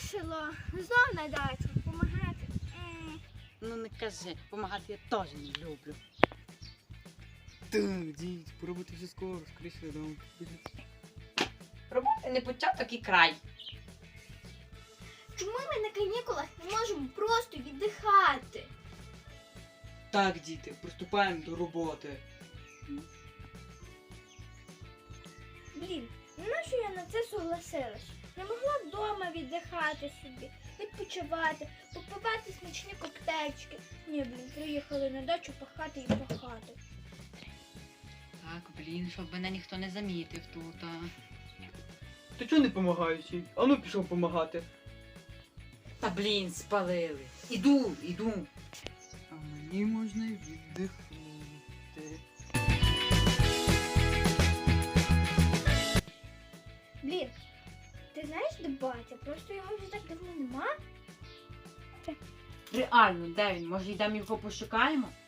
вирішила знов на дачу допомагати. Ну не кажи, допомагати я теж не люблю. Так, дід, поробити вже скоро, скоріше додому. Роботи не початок і край. Чому ми на канікулах не можемо просто віддихати? Так, діти, приступаємо до роботи. Блін, нащо я на це согласилась? Не могла вдома віддихати собі, відпочивати, попивати смачні коктейльчики. Ні, блін, приїхали на дачу пахати і пахати. Так, блін, щоб мене ніхто не замітив тут. Ти чого не допомагаєш їй? Ану пішов допомагати. Та блін, спалили. Іду. А мені можна й віддихнути. Блін, ти знаєш, де батя? Просто його вже так давно нема. Реально, де він? Може йдемо його пошукаємо?